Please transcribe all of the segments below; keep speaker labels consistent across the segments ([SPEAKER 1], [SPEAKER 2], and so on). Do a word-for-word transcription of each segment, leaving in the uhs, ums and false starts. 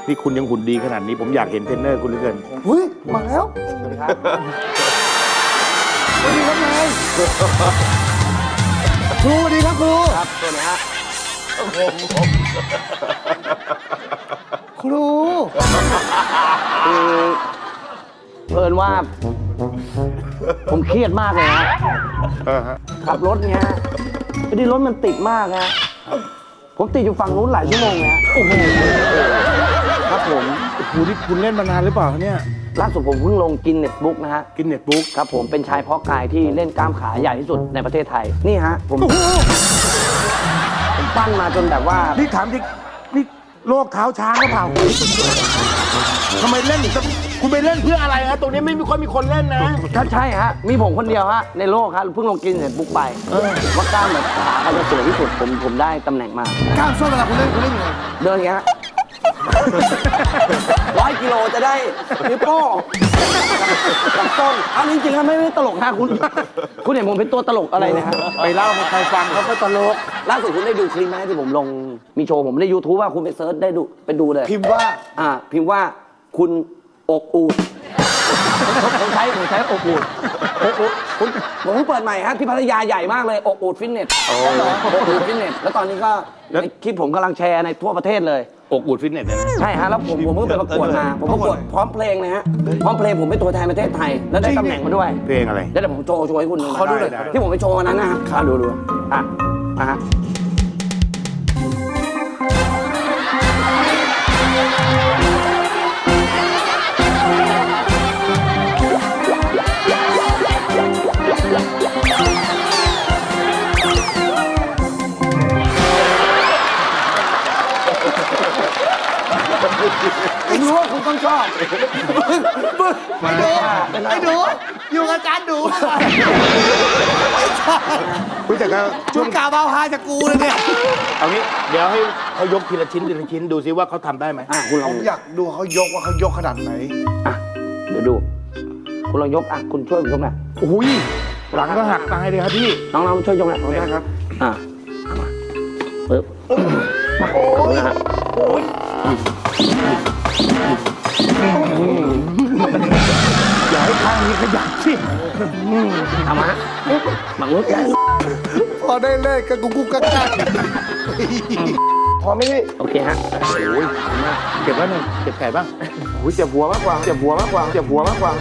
[SPEAKER 1] นี่คุณยังหุ่นดีขนาดนี้ผมอยากเห็นเทรนเนอร์คุณเหลือเกิน
[SPEAKER 2] เฮ้ยมาแล้วสวัสดีครับสวัสดีครับนายครูสวัสดีครับครูครับสวัสดีฮะครู
[SPEAKER 3] คือเพิ่นว่า ผมเครียดมากเลยนะขับรถเนี้ยพอดีรถมันติดมากนะผมติดอยู่ฝั่งนู้นหลายชั่วโมงแล้วโอ้โหครับผม
[SPEAKER 1] คุณที่คุณเล่นมานานหรือเปล่าเนี่ย
[SPEAKER 3] ล่าสุดผมเพิ่งลงกินเน็ตบุ๊กนะฮะ
[SPEAKER 1] กินเน็ตบุ๊ก
[SPEAKER 3] ครับผมเป็นชายเพาะกายที่เล่นกล้ามขาใหญ่ที่สุดในประเทศไทยนี่ฮะผมผมปั้นมาจนแบบว่า
[SPEAKER 1] นี่ถามดินี่โรคเท้าช้างหรือเปล่าทำไมเล่นคุณไปเล่นเพื่ออะไรฮะตรงนี้ไม่มีคนมีคนเล่นนะ
[SPEAKER 3] ถ้าใช่ฮะมีผมคนเดียวฮะในโลกครับเพิ่งลงกินเน็ตบุ๊กไปว่ากล้ามแบบขาเขาจะสวยที่สุดผมผมได้ตำแหน่งมาก
[SPEAKER 2] กล้ามส้นเวลาคุณเล่นคุณเล่นยังไง
[SPEAKER 3] เดินอย่างเงี้ยร้อยกิโลจะได้นิ้วโป้งกับต้นอันนี้จริงๆไม่ไม่ตลกนะคุณคุณเห็นผมเป็นตัวตลกอะไรนะฮะ
[SPEAKER 1] ไปเล่าให้ใครฟังเขาก็ตลก
[SPEAKER 3] ล่าสุดคุณได้ดูคลิปไหมที่ผมลงมีโชว์ผมใน ยูทูบ ว่าคุณไปเซิร์ชได้ดูไปดูเลย
[SPEAKER 2] พิมพ์ว่า
[SPEAKER 3] อ่าพิมพ์ว่าคุณอกอูดผมใช้ผมใช้อกอูดอกอูดผมผมเปิดใหม่ฮะที่พัทยาใหญ่มากเลยอกอูดฟิตเนสอกอูดฟิตเนสแล้วตอนนี้ก็ในคลิปผมกำลังแชร์ในทั่วประเทศเลย
[SPEAKER 1] อกอูดฟิตเนสนะ
[SPEAKER 3] ใช่ฮะแล้วผมผมเพิ่งไปประกวดมาผมประกวดพร้อมเพลงนะฮะพร้อมเพลงผมเป็นตัวแทนประเทศไทยแล้วได้ตำแหน่งมาด้วย
[SPEAKER 1] เพลงอะไร
[SPEAKER 3] แล้วเดี๋ยวผมโชว์โชว์ให้คุณดูเขาดูเลยที่ผมไปโชว์วันนั้นนะฮะดูดูอ่ะอ่ะฮะผมรู้ว่าคุณต้องชอบ
[SPEAKER 2] ไอ้ดูไอ้ดูอยู่กับอาจารย์ดู
[SPEAKER 1] คุณแต่ก็
[SPEAKER 2] ชุดกาบาวฮาจากกูเลยเนี่ย
[SPEAKER 1] เอางี้เดี๋ยวให้เขายกทีละชิ้นทีละชิ้นดูซิว่าเขาทำได้ไหม
[SPEAKER 3] อ่ะคุณลอง
[SPEAKER 2] ผมอยากดูเขายกว่าเขายกขนาดไหน
[SPEAKER 3] อ่ะเดี๋ยวดูคุณลองยกอ่ะคุณช่วยผมยกหน่อย
[SPEAKER 1] โอ้ยหลังก็หักตายเลยครับพี่
[SPEAKER 3] น้องๆช่วยยกหน่อย
[SPEAKER 2] ได้ครับ
[SPEAKER 3] อ่ะมาปึ๊บ
[SPEAKER 2] โอ้ยโอ้ย
[SPEAKER 1] อย่าให้ข้างนี้ขยับสิ
[SPEAKER 3] ทำมาหมักลุก
[SPEAKER 2] พอได้เล่นกับกุ๊กกุ๊กกักกักพอไหมพี่
[SPEAKER 3] โอเคฮะ
[SPEAKER 1] โอ้ยเก็บไว้หนึ่งเก็บไก่บ้างโอ้ยเจ็บหัวมากกว่าเจ็บหัวมากกว่าเจ็บหัวมากกว่า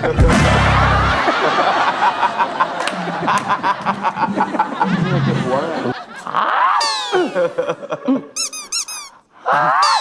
[SPEAKER 1] เจ็บหัวเลย